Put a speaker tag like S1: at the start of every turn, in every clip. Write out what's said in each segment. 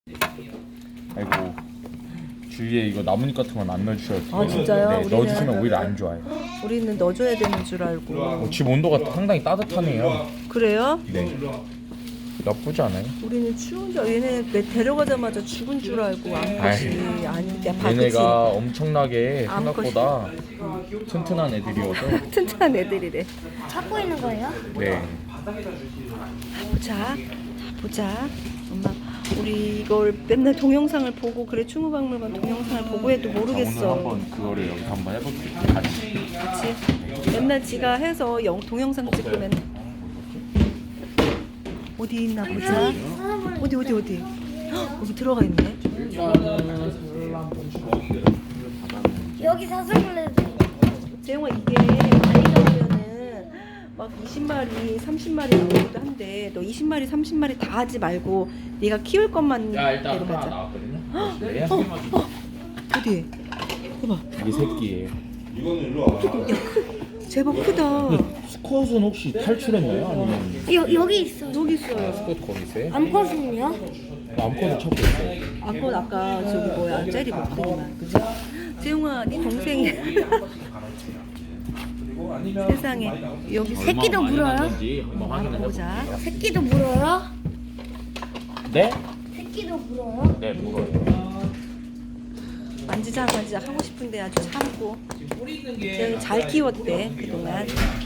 S1: 아이고 주위에 이거 나뭇잎 같은 건 안 넣어주셔도 돼요.
S2: 아, 진짜요?
S1: 네,
S2: 우리는
S1: 넣어주시면 오히려 안 좋아요.
S2: 우리는 넣어줘야 되는 줄 알고.
S1: 집 온도가 상당히 따뜻하네요.
S2: 그래요?
S1: 네. 나쁘지 않아요.
S2: 우리는 추운 줄 얘네 내 데려가자마자 죽은 줄 알고 암컷이 아니 내
S1: 얘네가 엄청나게
S2: 암컷이.
S1: 생각보다 튼튼한 애들이어서
S2: 튼튼한 애들이래.
S3: 찾고 있는 거예요?
S1: 네.
S2: 보자. 보자. 엄마 우리 이걸 맨날 동영상을 보고 그래 충무박물관 동영상을 보고 해도 모르겠어.
S1: 오늘 한번 그거를 여기서 한번 해볼게요. 같이.
S2: 그치? 맨날 지가 해서 동영상 찍고 맨날 어디 있나 보자. 어디 헉, 여기 들어가 있네.
S3: 여기 사슴벌레도
S2: 재영아 이게 많이 나오면은 막 20마리 30마리 나오기도 한데 너 20마리 30마리 다 하지 말고 네가 키울 것만 데려가자.
S1: 나왔거든요.
S2: 어디? 봐봐.
S1: 이게 새끼예요.
S2: 제법 크다.
S1: 수컷은 혹시 탈출했나요? 아니면
S3: 여기 있어.
S2: 여기 있어요.
S1: 수컷 거기 있어요?
S3: 암컷은요?
S1: 암컷을 찾고 있어요.
S2: 아까 저기 뭐야 젤리 먹더니만 그치? 재용아 네 동생이 세상에 여기
S3: 새끼도 물어요?
S1: 한번 확인해
S2: 보자.
S3: 새끼도 물어요?
S1: 네?
S3: 새끼도 물어요?
S1: 네, 물어요.
S2: 만지작 하고 싶은데 아주 참고 재용이 잘 키웠대 그동안.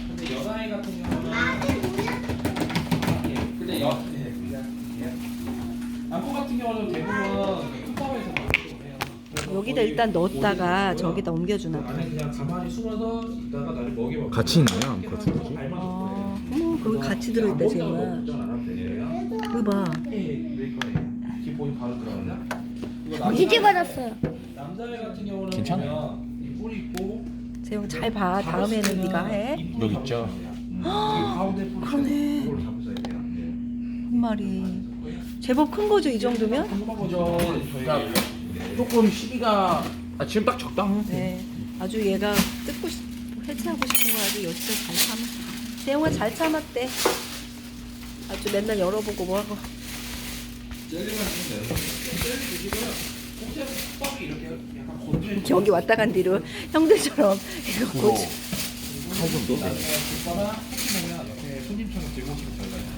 S4: 남포 같은 경우는 대부분 톱밥에서 만들고
S2: 여기다 일단 넣었다가 저기다 옮겨주나 봐.
S4: 그냥 가만히 숨어서 있다가 나를 먹여봐.
S1: 같이 있나요? 암컷 둘이?
S2: 어머 거기 같이 들어있다 재용아. 이거 봐.
S4: 기본이 바로 들어가냐?
S3: 뒤집어졌어요.
S4: 남자애 같은 경우는
S1: 괜찮아요.
S4: 보면 이 뿔이 있고
S2: 재용 잘 봐. 다음에는 네가 해.
S1: 여기 있죠?
S4: 가운데 뿔이
S2: 그러네.
S4: 이걸 잡으셔야 돼요.
S2: 한 마리. 제법 큰 거죠 이 정도면?
S1: 그죠. 조금 시기가 지금 딱 적당.
S2: 네. 아주 얘가 해체하고 싶은 거 아주 여지껏 잘 참아. 재용아 잘 참았대. 아주 맨날 열어보고 뭐하고.
S4: 젤리만 주면 돼요. 젤리 드시고요. 혹시 톱밥이 이렇게 약간 건조해
S2: 여기 왔다 간 뒤로 형들처럼 이거 고치.
S1: 칼좀 넣어요.
S4: 있거나 혹시 보면 옆에 손님처럼 들고 오시면 저희가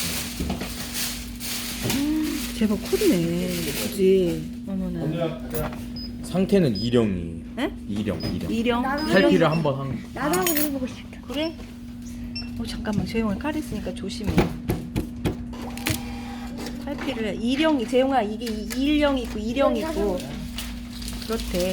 S2: 제법 컸네. 그지? 어머나.
S1: 상태는 일형이.
S2: 에?
S1: 일형.
S2: 이령?
S1: 탈피를 한번 한.
S3: 나도 한번 해보고 싶다.
S2: 그래? 잠깐만 재용아 칼 있으니까 조심해. 탈피를 해. 이령이 재용아 이게 일령 있고 이령 있고 그렇대.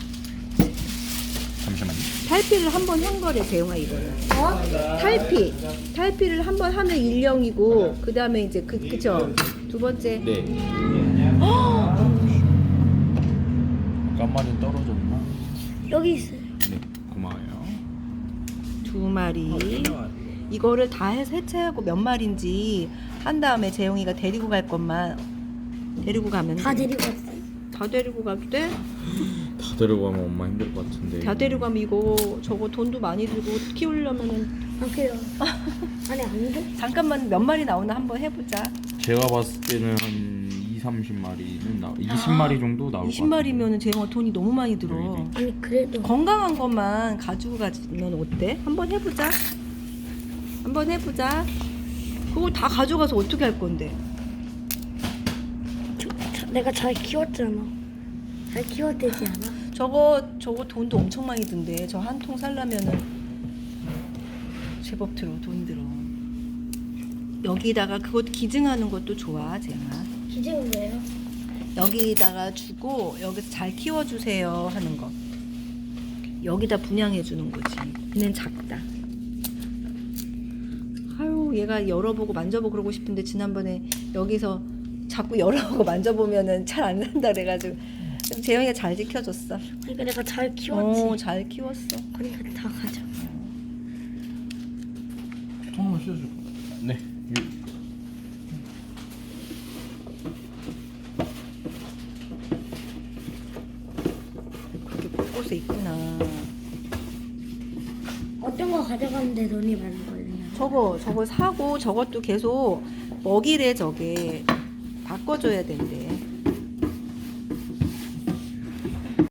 S1: 잠시만요.
S2: 탈피를 한 번 한 거래 재용아 이거는.
S3: 어?
S2: 탈피를 한 번 하면 일령이고 그 다음에 이제 그쵸? 두 번째.
S1: 네. 깜마린 떨어졌나?
S3: 여기 있어요.
S1: 네. 고마워요.
S2: 두 마리. 이거를 다 해서 해체하고 몇 마리인지 한 다음에 재용이가 데리고 갈 것만 데리고 가면
S3: 다
S2: 돼.
S3: 데리고 왔어요.
S2: 다 데리고 가도 돼?
S1: 다 데리고 가면 엄마 힘들 것 같은데.
S2: 다 데리고 가면 이거 저거 돈도 많이 들고 키우려면은
S3: 안 돼요. 아니 안 돼?
S2: 잠깐만 몇 마리 나오나 한번 해보자.
S1: 제가 봤을 때는 한 2, 30마리는 20마리 정도 나올 것 같아요.
S2: 20마리면은 재용아 돈이 너무 많이 들어.
S3: 아니 그래도
S2: 건강한 것만 가지고 가면 어때? 한번 해보자. 한번 해보자. 그걸 다 가져가서 어떻게 할 건데?
S3: 내가 잘 키웠잖아. 잘 키워되지 않아?
S2: 저거 돈도 엄청 많이 든대. 저 한 통 살려면은 제법 들어 돈 들어. 여기다가 그것 기증하는 것도 좋아 재영아.
S3: 기증은 뭐예요?
S2: 여기다가 주고 여기서 잘 키워주세요 하는 거. 여기다 분양해 주는 거지. 얘는 작다. 아유 얘가 열어보고 만져보고 그러고 싶은데 지난번에 여기서 자꾸 열어보고 만져보면은 잘 안 산다 그래가지고 재영이가 잘 지켜줬어.
S3: 그러니까 내가 잘 키웠지.
S2: 잘 키웠어.
S3: 그러니까 다 가져.
S4: 통 한번 씌워줄 거예요.
S1: 네.
S2: 그렇게 곳곳에 있구나.
S3: 어떤 거 가져가는데 돈이 많은 거예요?
S2: 저거 사고 저것도 계속 먹이래 저게 바꿔줘야 된대.